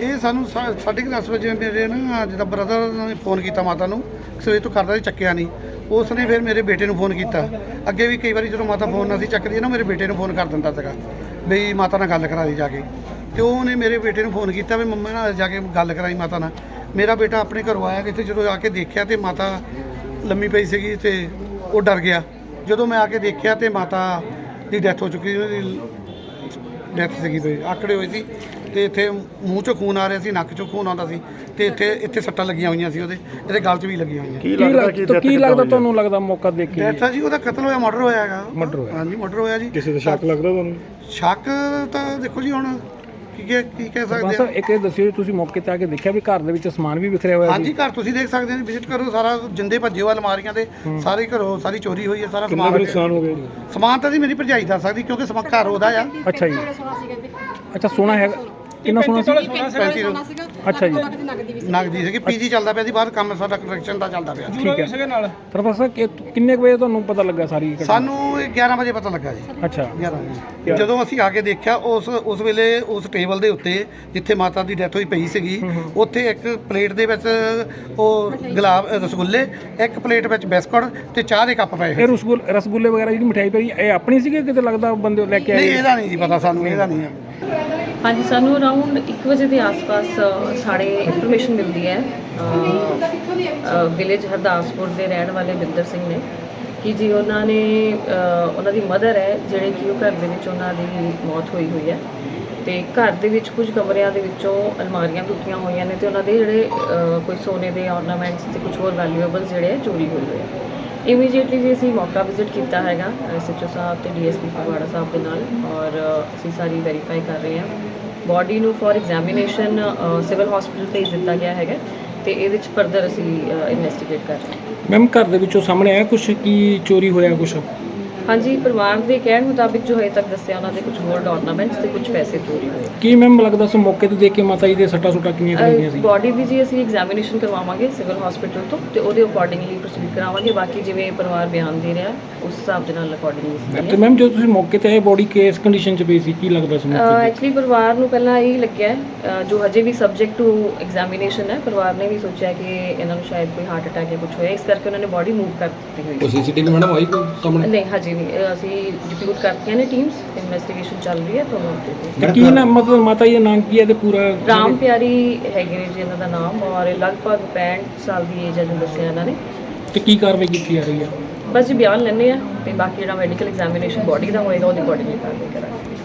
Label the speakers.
Speaker 1: ਇਹ ਸਾਨੂੰ 10:30 ਵਜੇ ਮੇਰੇ ਨਾ ਜਿੱਦਾਂ ਬ੍ਰਦਰ ਨੇ ਫੋਨ ਕੀਤਾ ਮਾਤਾ ਨੂੰ, ਸਵੇਰ ਤੋਂ ਕਰਦਾ ਸੀ, ਚੱਕਿਆ ਨਹੀਂ। ਉਸ ਨੇ ਫਿਰ ਮੇਰੇ ਬੇਟੇ ਨੂੰ ਫੋਨ ਕੀਤਾ। ਅੱਗੇ ਵੀ ਕਈ ਵਾਰੀ ਜਦੋਂ ਮਾਤਾ ਫੋਨ ਨਾ ਸੀ ਚੱਕਦੀ ਨਾ, ਮੇਰੇ ਬੇਟੇ ਨੂੰ ਫੋਨ ਕਰ ਦਿੰਦਾ ਸੀਗਾ ਬਈ ਮਾਤਾ ਨਾਲ ਗੱਲ ਕਰਾ ਦੀ ਜਾ ਕੇ। ਤੇ ਉਹਨੇ ਮੇਰੇ ਬੇਟੇ ਨੂੰ ਫੋਨ ਕੀਤਾ ਵੀ ਮੰਮਾ ਨਾਲ ਜਾ ਕੇ ਗੱਲ ਕਰਾਈ ਮਾਤਾ ਨਾਲ। ਮੇਰਾ ਬੇਟਾ ਆਪਣੇ ਘਰੋਂ ਆਇਆ ਕਿਤੇ, ਜਦੋਂ ਆ ਕੇ ਦੇਖਿਆ ਤੇ ਮਾਤਾ ਲੰਮੀ ਪਈ ਸੀਗੀ ਤੇ ਉਹ ਡਰ ਗਿਆ। ਜਦੋਂ ਮੈਂ ਆ ਕੇ ਦੇਖਿਆ ਤੇ ਮਾਤਾ ਦੀ ਡੈਥ ਹੋ ਚੁੱਕੀ, ਉਹਦੀ ਡੈਥ ਸੀਗੀ ਬਈ ਆਕੜੇ ਹੋਏ ਸੀ ਤੇ ਇੱਥੇ ਮੂੰਹ 'ਚੋਂ ਖੂਨ ਆ ਰਿਹਾ ਸੀ, ਨੱਕ 'ਚੋਂ ਖੂਨ ਆਉਂਦਾ ਸੀ ਤੇ ਇੱਥੇ ਸੱਟਾਂ ਲੱਗੀਆਂ ਹੋਈਆਂ ਸੀ, ਇਹਦੇ ਗਲ 'ਚ ਵੀ ਲੱਗੀਆਂ ਹੋਈਆਂ।
Speaker 2: ਕੀ ਲੱਗਦਾ ਤੁਹਾਨੂੰ ਲੱਗਦਾ ਮੌਕਾ ਦੇਖ ਕੇ?
Speaker 1: ਡੈਥ ਜੀ ਉਹਦਾ ਕਤਲ ਹੋਇਆ, ਮਰਡਰ ਹੋਇਆ ਹੈਗਾ।
Speaker 2: ਮਰਡਰ ਹੋਇਆ?
Speaker 1: ਹਾਂਜੀ ਮਰਡਰ ਹੋਇਆ ਜੀ।
Speaker 2: ਕਿਸੇ ਦਾ ਸ਼ੱਕ ਲੱਗਦਾ ਤੁਹਾਨੂੰ?
Speaker 1: ਸ਼ੱਕ ਤਾਂ ਦੇਖੋ ਜੀ ਹੁਣ ਕੀ ਕਹਿ ਸਕਦੇ
Speaker 2: ਆ। ਇੱਕ ਇਹ ਦੱਸਿਓ, ਤੁਸੀਂ ਮੌਕੇ ਤੇ ਆ ਕੇ ਦੇਖਿਆ ਵੀ ਘਰ ਦੇ ਵਿੱਚ ਸਮਾਨ ਵੀ ਵਿਖਰਿਆ ਹੋਇਆ?
Speaker 1: ਹਾਂਜੀ ਘਰ ਤੁਸੀਂ ਦੇਖ ਸਕਦੇ ਹੋ, ਵਿਜ਼ਿਟ ਕਰੋ, ਸਾਰਾ ਜਿੰਦੇ ਭੱਜੇ ਹੋਏ ਅਲਮਾਰੀਆਂ ਦੇ ਸਾਰੇ ਘਰੋਂ ਸਾਰੀ ਚੋਰੀ ਹੋਈ ਹੈ, ਸਾਰਾ ਸਮਾਨ ਨੁਕਸਾਨ ਹੋ ਗਿਆ। ਸਮਾਨ ਤਾਂ ਜੀ ਮੇਰੀ ਭਰਜਾਈ ਦੱਸ ਸਕਦੀ ਕਿਉਂਕਿ ਸਮਾਨ ਘਰ ਉਹਦਾ ਆ।
Speaker 2: ਅੱਛਾ ਜੀ, ਅੱਛਾ ਸੋਨਾ ਹੈਗਾ? ਕਿੰਨਾ ਸੋਨਾ ਸੀ?
Speaker 1: 35
Speaker 2: ਅੱਛਾ ਜੀ,
Speaker 1: ਨਗਦੀ ਸੀਗੀ। ਪੀਜੀ ਚੱਲਦਾ ਪਿਆ ਸੀ ਬਾਹਰ, ਕੰਮ ਸਾਡਾ ਕੰਸਟਰਕਸ਼ਨ ਦਾ ਚੱਲਦਾ ਪਿਆ।
Speaker 2: ਠੀਕ ਹੈ। ਪ੍ਰੋਫੈਸਰ ਕਿੰਨੇ ਵਜੇ ਤੁਹਾਨੂੰ ਪਤਾ ਲੱਗਾ ਸਾਰੀ ਘਟਨਾ?
Speaker 1: ਸਾਨੂੰ 11 ਵਜੇ ਪਤਾ ਲੱਗਾ ਜੀ।
Speaker 2: ਅੱਛਾ
Speaker 1: 11 ਵਜੇ ਜਦੋਂ ਅਸੀਂ ਆ ਕੇ ਦੇਖਿਆ, ਉਸ ਵੇਲੇ ਉਸ ਟੇਬਲ ਦੇ ਉੱਤੇ ਜਿੱਥੇ ਮਾਤਾ ਦੀ ਡੈਥ ਹੋਈ ਪਈ ਸੀਗੀ, ਉੱਥੇ ਇੱਕ ਪਲੇਟ ਦੇ ਵਿੱਚ ਉਹ ਗੁਲਾਬ ਰਸਗੁੱਲੇ, ਇੱਕ ਪਲੇਟ ਵਿੱਚ ਬਿਸਕੁਟ ਤੇ ਚਾਹ ਦੇ ਕੱਪ ਪਏ।
Speaker 2: ਇਹ ਰਸਗੁੱਲੇ ਵਗੈਰਾ ਜਿਹੜੀ ਮਠਿਆਈ ਪਈ ਇਹ ਆਪਣੀ ਸੀਗੀ ਕਿਤੇ ਲੱਗਦਾ ਬੰਦੇ ਲੈ ਕੇ ਆਏ?
Speaker 1: ਨਹੀਂ ਇਹਦਾ ਨਹੀਂ ਜੀ ਪਤਾ ਸਾਨੂੰ, ਇਹਦਾ ਨਹੀਂ ਹੈ।
Speaker 3: ਹਾਂਜੀ, ਸਾਨੂੰ ਅਰਾਊਂਡ 1 ਵਜੇ ਦੇ ਆਸ-ਪਾਸ ਸਾਡੇ ਇਨਫੋਰਮੇਸ਼ਨ ਮਿਲਦੀ ਹੈ ਵਿਲੇਜ ਹਰਦਾਸਪੁਰ ਦੇ ਰਹਿਣ ਵਾਲੇ ਬਿੰਦਰ ਸਿੰਘ ਨੇ ਕਿ ਜੀ ਉਹਨਾਂ ਦੀ ਮਦਰ ਹੈ ਜਿਹੜੇ ਕਿ ਉਹ ਘਰ ਦੇ ਵਿੱਚ ਉਹਨਾਂ ਦੀ ਮੌਤ ਹੋਈ ਹੈ ਤੇ ਘਰ ਦੇ ਵਿੱਚ ਕੁਝ ਕਮਰਿਆਂ ਦੇ ਵਿੱਚੋਂ ਅਲਮਾਰੀਆਂ ਟੁੱਟੀਆਂ ਹੋਈਆਂ ਨੇ ਤੇ ਉਹਨਾਂ ਦੇ ਜਿਹੜੇ ਕੋਈ ਸੋਨੇ ਦੇ ਆਰਨਾਮੈਂਟਸ ਤੇ ਕੁਝ ਹੋਰ ਵੈਲਿਊਏਬਲਸ ਜਿਹੜੇ ਚੋਰੀ ਹੋਏ ਆ। ਇਮੀਡੀਏਟਲੀ ਜੀ ਅਸੀਂ ਮੌਕਾ ਵਿਜ਼ਿਟ ਕੀਤਾ ਹੈਗਾ SHO ਸਾਹਿਬ ਤੇ DSP ਫਗਵਾੜਾ ਸਾਹਿਬ ਦੇ ਨਾਲ, ਔਰ ਅਸੀਂ ਸਾਰੀ ਵੈਰੀਫਾਈ ਕਰ ਰਹੇ ਹਾਂ। ਬੋਡੀ ਨੂੰ ਫॉर ਐਗਜ਼ਾਮੀਨੇਸ਼ਨ ਸਿਵਲ ਹਸਪੀਟਲ ਭੇਜ ਦਿੱਤਾ ਗਿਆ ਹੈਗਾ ਤੇ ਇਹਦੇ ਵਿੱਚ ਫਰਦਰ ਅਸੀਂ ਇਨਵੈਸਟੀਗੇਟ ਕਰ ਰਹੇ ਹਾਂ।
Speaker 2: ਮੈਮ ਘਰ ਦੇ ਵਿੱਚੋਂ ਸਾਹਮਣੇ ਆਇਆ ਕੁਝ ਕੀ ਚੋਰੀ ਹੋਇਆ ਕੁਝ?
Speaker 3: ਹਾਂਜੀ, ਪਰਿਵਾਰ ਦੇ ਕਹਿਣ ਮੁਤਾਬਿਕ ਜੋ ਹਜੇ ਤੱਕ ਦੱਸਿਆ ਉਹਨਾਂ ਦੇ ਕੁਝ ਗੋਲਡ ਆਰਨਾਮੈਂਟਸ ਤੇ ਕੁਝ ਪੈਸੇ ਚੋਰੀ ਹੋਏ।
Speaker 2: ਕੀ ਮੈਮ ਲੱਗਦਾ ਸੀ ਮੌਕੇ ਤੇ ਦੇਖ ਕੇ ਮਾਤਾ ਜੀ ਦੇ ਸੱਟਾਂ ਸੁੱਟਾਂ ਕਿੰਨੀਆਂ ਲੱਗੀਆਂ ਸੀ?
Speaker 3: ਬੋਡੀ ਦੀ ਜੀ ਅਸੀਂ ਐਗਜ਼ਾਮੀਨੇਸ਼ਨ ਕਰਵਾਵਾਂਗੇ ਸਿਵਲ ਹਸਪੀਟਲ ਤੋਂ ਤੇ ਉਹਦੇ ਅਕੋਰਡਿੰਗਲੀ ਪ੍ਰੋਸੀਡ ਕਰਾਵਾਂਗੇ। ਬਾਕੀ ਜਿਵੇਂ ਪਰਿਵਾਰ ਬਿਆਨ ਦੇ ਰਿਹਾ ਉਸ ਹਿਸਾਬ ਦੇ ਨਾਲ ਅਕੋਰਡਿੰਗਲੀ।
Speaker 2: ਤੇ ਮੈਮ ਜਦੋਂ ਤੁਸੀਂ ਮੌਕੇ ਤੇ ਆਏ ਬੋਡੀ ਕਿਸ ਕੰਡੀਸ਼ਨ 'ਚ ਪਈ ਸੀ, ਕੀ ਲੱਗਦਾ ਸੀ?
Speaker 3: ਐਕਚੁਅਲੀ ਪਰਿਵਾਰ ਨੂੰ ਪਹਿਲਾਂ ਇਹ ਲੱਗਿਆ ਜੋ ਹਜੇ ਵੀ ਸਬਜੈਕਟ ਟੂ ਐਗਜ਼ਾਮੀਨੇਸ਼ਨ ਹੈ, ਪਰਿਵਾਰ ਨੇ ਵੀ ਸੋਚਿਆ ਕਿ ਇਹਨਾਂ ਨੂੰ ਸ਼ਾਇਦ ਕੋਈ ਹਾਰਟ ਅਟੈਕ ਜਾਂ ਕੁਝ ਹੋਇਆ, ਇਸ ਕਰਕੇ ਉਹਨਾਂ ਨੇ ਬੋਡੀ ਮੂਵ ਕਰ ਦਿੱਤੀ ਹੋਈ।
Speaker 2: CCTV ਮੈਡਮ ਆਈ ਕੋਈ ਸਾਹਮਣੇ?
Speaker 3: ਨਹੀਂ ਹਜੇ ਨਹੀਂ, ਅਸੀਂ ਡਿਪਿਊਟ ਕਰਤੀਆਂ ਨੇ ਟੀਮਸ, ਇਨਵੈਸਟੀਗੇਸ਼ਨ ਚੱਲ ਰਹੀ ਹੈ ਤੁਹਾਨੂੰ।
Speaker 2: ਤੇ ਕੀ ਨਾ ਮਤਲਬ ਮਾਤਾ ਜੀ ਦਾ ਨਾਮ ਕੀ ਹੈ ਤੇ ਪੂਰਾ?
Speaker 3: ਰਾਮ ਪਿਆਰੀ ਹੈਗੇ ਨੇ ਜੀ ਇਹਨਾਂ ਦਾ ਨਾਮ, ਔਰ ਲਗਭਗ 65 ਸਾਲ ਦੀ ਏਜ ਹੈ ਜੋ ਦੱਸਿਆ ਇਹਨਾਂ ਨੇ।
Speaker 2: ਤੇ ਕੀ ਕਾਰਵਾਈ ਕੀਤੀ ਜਾ ਰਹੀ ਹੈ?
Speaker 3: ਬਸ ਜੀ ਬਿਆਨ ਲੈਣੇ ਆ ਤੇ ਬਾਕੀ ਜਿਹੜਾ ਮੈਡੀਕਲ ਐਗਜ਼ਾਮੀਨੇਸ਼ਨ ਬੋਡੀ ਦਾ ਹੋਏਗਾ ਉਹਦੇ ਅਕੋਰਡਿੰਗਲੀ ਕਾਰਵਾਈ ਕਰਾਂਗੇ।